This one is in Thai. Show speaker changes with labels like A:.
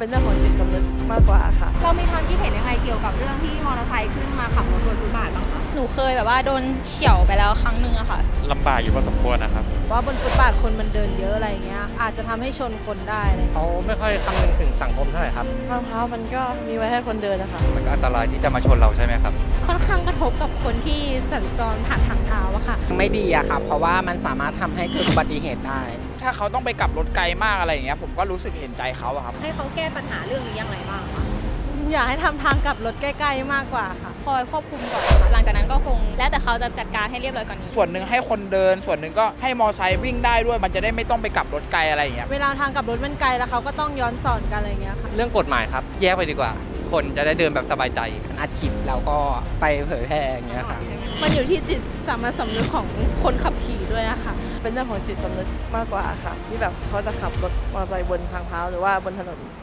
A: เป็นเรื่องของจิตสำนึกมากกว่าค่ะ
B: เรามีความคิดเห็นยังไงเกี่ยวกับเรื่องที่มอเตอร์ไซค์ขึ้นมาขับรถบนฟุตบาทบ้างคะ
C: หนูเคยแบบว่าโดนเฉี่ยวไปแล้วครั้งหนึ่งอะค่ะ
D: ลำบากอยู่พอสมควรนะครับ
A: ว่าบนฟุตบาทคนมันเดินเยอะอะไรเงี้ยอาจจะทำให้ชนคนได้เลย
D: เขาไม่ค่อยคำนึงถึงสังคมเท่าไหร่ครับ
A: ทางเท้ามันก็มีไว้ให้คนเดินนะคะ
D: มันก็อันตรายที่จะมาชนเราใช่ไหมครับ
A: ค่อนข้างกระทบกับคนที่สัญจรผ่านทางเท้าอะค่ะ
E: ไม่ดีอะครับเพราะว่ามันสามารถทำให้เกิดอุบัติเหตุได้
F: ถ้าเขาต้องไปกลับรถไกลมากอะไรอย่างเงี้ยผมก็รู้สึกเห็นใจเขาอะครับ
B: ให้เขาแก้ปัญหาเรื่องนี้อย่างไรบ้างคะ
A: อยากให้ทำทางกลับรถใกล้ๆมากกว่าค่ะ
C: คอยควบคุมก่อนค่ะหลังจากนั้นก็คงแล้วแต่เขาจะจัดการให้เรียบร้อยกว่านี้
F: ส่วนหนึ่งให้คนเดินส่วนหนึ่งก็ให้มอไซค์วิ่งได้ด้วยมันจะได้ไม่ต้องไปกลับรถไกลอะไรอย่างเงี้ย
A: เวลาทางกลับรถมันไกลแล้วเขาก็ต้องย้อนสอนกันอะไรเงี้ยค่ะ
D: เรื่องกฎหมายครับแยกไปดีกว่าคนจะได้เดินแบบสบายใจ
E: อัดคลิปแล้วก็ไปเผยแพร่อย่างเงี้ยครับ
A: มันอยู่ที่จิตสามัญสำนึกของคนขับขี่ด้วยนะคะเป็นเรื่องของจิตสำนึกมากกว่าค่ะที่แบบเขาจะขับรถมอเตอร์ไซค์บนทางเท้าหรือว่าบนถนน